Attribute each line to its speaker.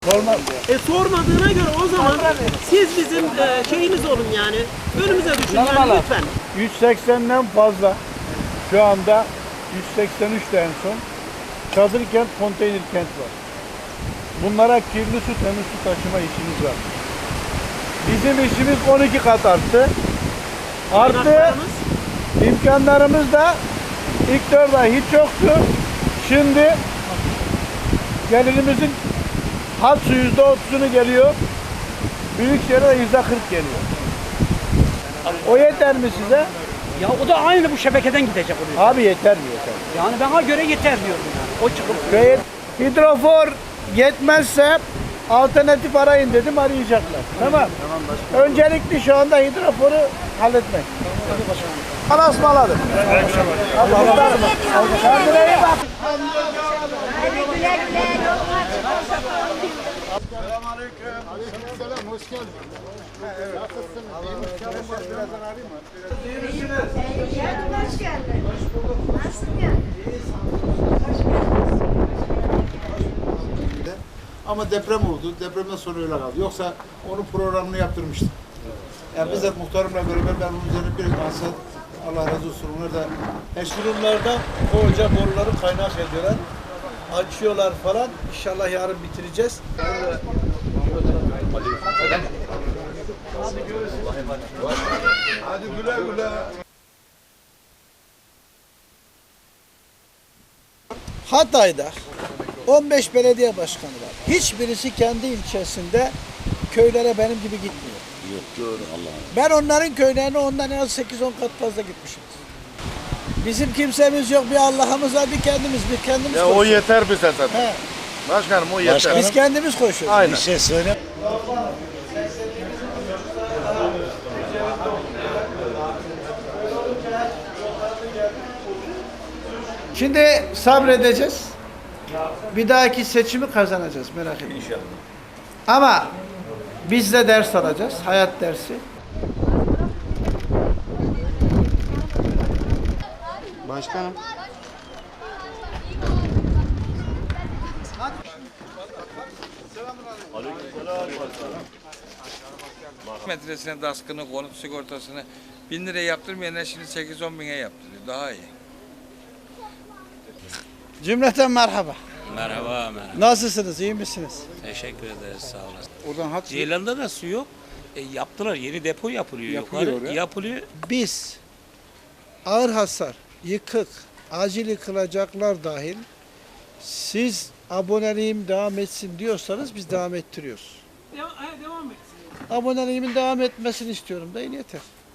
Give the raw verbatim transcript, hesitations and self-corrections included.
Speaker 1: Sormaz.
Speaker 2: E sormadığına göre o zaman siz bizim e, şeyimiz olun yani. Önümüze düşün yani lütfen.
Speaker 1: yüz seksenden fazla şu anda yüz seksen üçte en son çadır kent, konteyner kent var. Bunlara kirli su, temiz su taşıma işimiz var. Bizim işimiz on iki kat arttı. Artı imkanlarımız da ilk dört ay hiç yoktu. Şimdi gelirimizin hat su yüzde otuzunu geliyor. Büyükşehir'e yüzde kırk geliyor. O yeter mi size?
Speaker 3: Ya o da aynı bu şebekeden gidecek oraya.
Speaker 1: Abi yeter mi yeter?
Speaker 3: Yani bana göre yeter diyorum yani. O çıkıp
Speaker 1: Köye hidrofor yetmezse alternatif arayın dedim, arayacaklar. Tamam. Öncelikli şu anda hidroforu halletmek. Allah'a ısmarladık. Allah'a ısmarladık. Kendine iyi bak.
Speaker 4: Hadi güle güle yolun açık olsun.
Speaker 5: Selamünaleyküm. Aleykümselam, hoş geldin. Evet. Nasılsınız? Birazdan arayayım mı?
Speaker 4: İyi geldin, hoş geldin. Hoş bulduk. Nasılsın ya?
Speaker 5: Ama deprem oldu. Depremden sonra öyle kaldı. Yoksa onun programını yaptırmıştık. Yani bizzat muhtarımla beraber ben onun üzerine bir maksat, Allah razı olsun. Onlar da
Speaker 6: Eşkırımlarda koca boruları kaynak ediyorlar. Açıyorlar falan. İnşallah yarın bitireceğiz.
Speaker 5: hadi güle güle.
Speaker 7: Hatay'da on beş belediye başkanı var. Hiçbirisi kendi ilçesinde köylere benim gibi gitmiyor. Yok doğru Allah'ım. Ben onların köylerine ondan en az sekiz on kat fazla gitmişim. Bizim kimsemiz yok, bir Allah'ımız var, bir kendimiz, bir kendimiz
Speaker 8: Ya o yeter bize zaten.
Speaker 7: He.
Speaker 8: Başkanım o yeter.
Speaker 7: Biz kendimiz koşuyoruz.
Speaker 8: Aynen.
Speaker 7: Bir şey söyle.
Speaker 1: Şimdi sabredeceğiz. Bir dahaki seçimi kazanacağız, merak etmeyin. İnşallah. Ama biz de ders alacağız, hayat dersi.
Speaker 6: Başkanım.
Speaker 9: Metresine daskını, konut sigortasını bin liraya yaptırmayanlar şimdi sekiz on bine yaptırıyor. Daha iyi.
Speaker 7: Cümleten merhaba.
Speaker 10: Merhaba, merhaba.
Speaker 7: Nasılsınız, iyi misiniz?
Speaker 10: Teşekkür ederiz, sağ olasın.
Speaker 7: Oradan hat
Speaker 10: Ceylan'da da su yok. E, yaptılar, yeni depo yapılıyor,
Speaker 7: Yapılıyor
Speaker 10: yukarı.
Speaker 7: oraya.
Speaker 10: Yapılıyor.
Speaker 7: Biz ağır hasar, yıkık, acil yıkılacaklar dahil siz aboneliğim devam etsin diyorsanız biz devam ettiriyoruz.
Speaker 2: Devam, devam etsin.
Speaker 7: Aboneliğimin devam etmesini istiyorum da yeter.